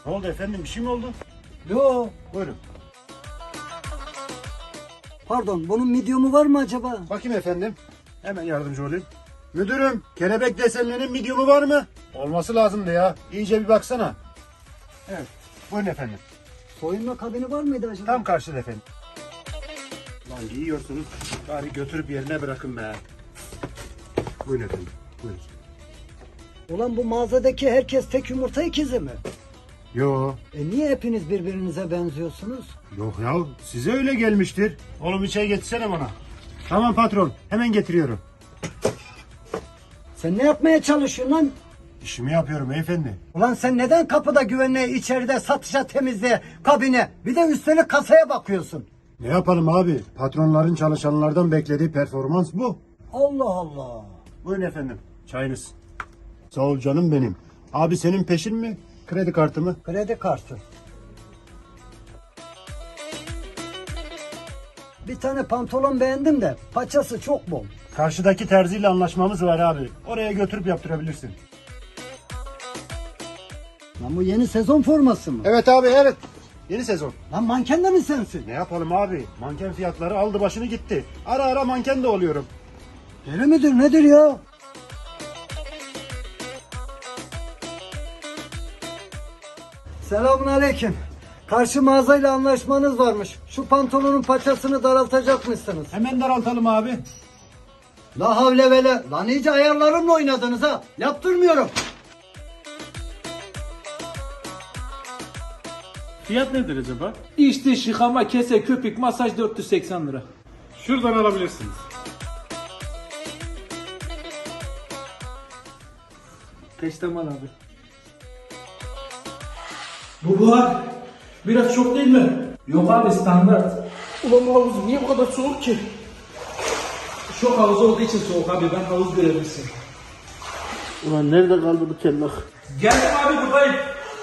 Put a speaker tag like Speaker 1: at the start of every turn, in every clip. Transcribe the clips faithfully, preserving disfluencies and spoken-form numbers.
Speaker 1: Ne oldu efendim? Bir şey mi oldu?
Speaker 2: Yo.
Speaker 1: Buyurun.
Speaker 2: Pardon, bunun medium'u var mı acaba?
Speaker 1: Bakayım efendim. Hemen yardımcı olayım. Müdürüm, kelebek desenlerinin medium'u var mı? Olması lazımdı ya. İyice bir baksana. Evet. Buyurun efendim.
Speaker 2: Soyunma kabini var mıydı acaba?
Speaker 1: Tam karşıda efendim. Lan giyiyorsunuz. Bari götürüp yerine bırakın be. Buyurun efendim. Buyurun.
Speaker 2: Ulan bu mağazadaki herkes tek yumurta ikizi mi?
Speaker 1: Yo.
Speaker 2: E niye hepiniz birbirinize benziyorsunuz?
Speaker 1: Yok ya. Size öyle gelmiştir. Oğlum bir çay getirsene bana. Tamam patron. Hemen getiriyorum.
Speaker 2: Sen ne yapmaya çalışıyorsun lan?
Speaker 1: İşimi yapıyorum beyefendi.
Speaker 2: Ulan sen neden kapıda güvenliğe, içeride satışa, temizliğe, kabine, bir de üstelik kasaya bakıyorsun?
Speaker 1: Ne yapalım abi? Patronların çalışanlardan beklediği performans bu.
Speaker 2: Allah Allah.
Speaker 1: Buyurun efendim. Çayınız. Sağ ol canım benim. Abi senin peşin mi? Kredi kartı mı?
Speaker 2: Kredi kartı. Bir tane pantolon beğendim de paçası çok bol.
Speaker 1: Karşıdaki terziyle anlaşmamız var abi. Oraya götürüp yaptırabilirsin.
Speaker 2: Lan bu yeni sezon forması mı?
Speaker 1: Evet abi evet. Yeni sezon.
Speaker 2: Lan manken de mi sensin?
Speaker 1: Ne yapalım abi? Manken fiyatları aldı başını gitti. Ara ara manken de oluyorum.
Speaker 2: Deli midir nedir ya? Selamun aleyküm. Karşı mağazayla anlaşmanız varmış. Şu pantolonun paçasını daraltacakmışsınız.
Speaker 1: Hemen daraltalım abi.
Speaker 2: La havle vele. Lan iyice ayarlarımla oynadınız ha. Yaptırmıyorum.
Speaker 3: Fiyat nedir acaba?
Speaker 4: İç dış yıkama, kese, köpük, masaj dört yüz seksen lira.
Speaker 3: Şuradan alabilirsiniz.
Speaker 4: Peştemal abi. Bu buhar biraz çok değil mi? Yok abi standart. Ulan bu havuz niye bu kadar soğuk ki? Şok havuzu olduğu için soğuk abi, ben havuz görevlisiyim.
Speaker 3: Ulan nerede kaldı bu kellak?
Speaker 4: Geldim abi, buradayım.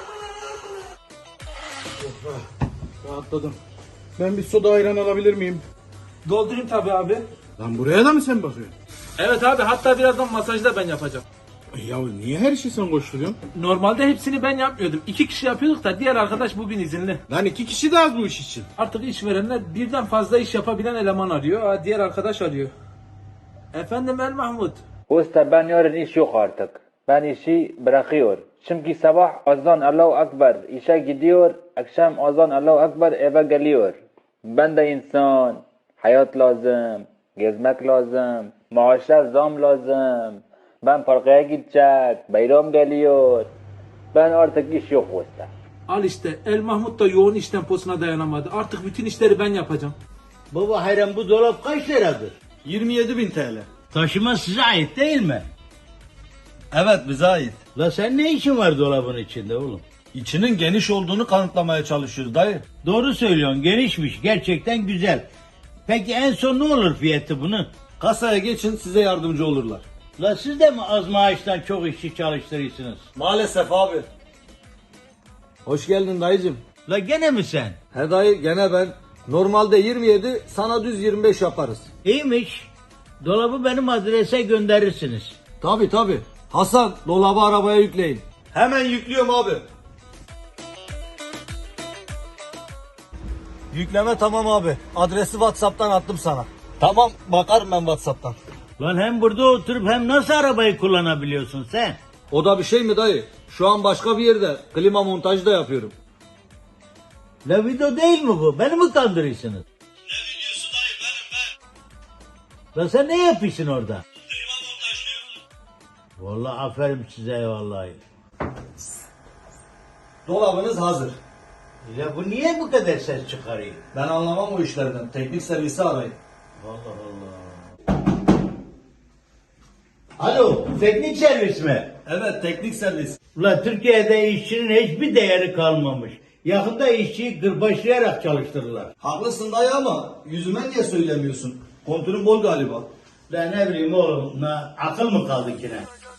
Speaker 4: Rahatladım.
Speaker 3: Ben bir soda ayran alabilir miyim?
Speaker 4: Doldurayım tabii abi.
Speaker 3: Lan buraya da mı sen bakıyorsun?
Speaker 4: Evet abi, hatta birazdan masajı da ben yapacağım.
Speaker 3: Ya niye her işi sen koşturuyorsun?
Speaker 4: Normalde hepsini ben yapmıyordum. İki kişi yapıyorduk da diğer arkadaş bugün izinli.
Speaker 3: Lan iki kişi de az bu iş için.
Speaker 4: Artık işverenler birden fazla iş yapabilen eleman arıyor. Aa, diğer arkadaş arıyor. Efendim El Mahmut.
Speaker 5: Usta ben yarın iş yok artık. Ben işi bırakıyor. Çünkü sabah azan Allahu Ekber işe gidiyor. Akşam azan Allahu Ekber eve geliyor. Ben de insan. Hayat lazım. Gezmek lazım. Maaşlar zam lazım. Ben parkaya gidecek. Bayram geliyor. Ben artık iş yok usta.
Speaker 4: Al işte, El Mahmut da yoğun iş temposuna dayanamadı. Artık bütün işleri ben yapacağım.
Speaker 6: Baba Hayran, bu dolap kaç liradır?
Speaker 3: yirmi yedi bin T L.
Speaker 6: Taşıma size ait değil mi?
Speaker 7: Evet bize ait.
Speaker 6: La sen ne işin var dolabın içinde oğlum?
Speaker 7: İçinin geniş olduğunu kanıtlamaya çalışıyoruz dayı.
Speaker 6: Doğru söylüyorsun, genişmiş, gerçekten güzel. Peki en son ne olur fiyatı bunun?
Speaker 7: Kasaya geçin size yardımcı olurlar.
Speaker 6: La siz de mi az maaştan çok işçi çalıştırıyorsunuz?
Speaker 7: Maalesef abi. Hoş geldin dayıcım.
Speaker 6: La gene mi sen?
Speaker 7: He dayı gene ben. Normalde yirmi yedi sana düz yirmi beş yaparız.
Speaker 6: İyiymiş. Dolabı benim adrese gönderirsiniz.
Speaker 7: Tabi tabi. Hasan dolabı arabaya yükleyin. Hemen yüklüyorum abi. Yükleme tamam abi. Adresi WhatsApp'tan attım sana. Tamam bakarım ben WhatsApp'tan.
Speaker 6: Lan hem burada oturup hem nasıl arabayı kullanabiliyorsun sen?
Speaker 7: O da bir şey mi dayı? Şu an başka bir yerde klima montajı da yapıyorum.
Speaker 6: La video değil mi bu? Beni mi kandırıyorsunuz? La sen ne yapıyorsun orada? Vallahi aferin size vallahi.
Speaker 7: Dolabınız hazır.
Speaker 6: Ya bu niye bu kadar ses çıkarıyor?
Speaker 7: Ben anlamam o işlerden. Teknik servisi arayın.
Speaker 6: Allah Allah. Alo, teknik servis mi?
Speaker 7: Evet teknik servis.
Speaker 6: Ulan Türkiye'de işçinin hiçbir değeri kalmamış. Yakında işçiyi kırbaçlayarak çalıştırırlar.
Speaker 7: Haklısın dayı ama yüzüme niye söylemiyorsun? Kontürün bol galiba.
Speaker 6: Ben ne bileyim oğlum, na, akıl mı kaldı yine?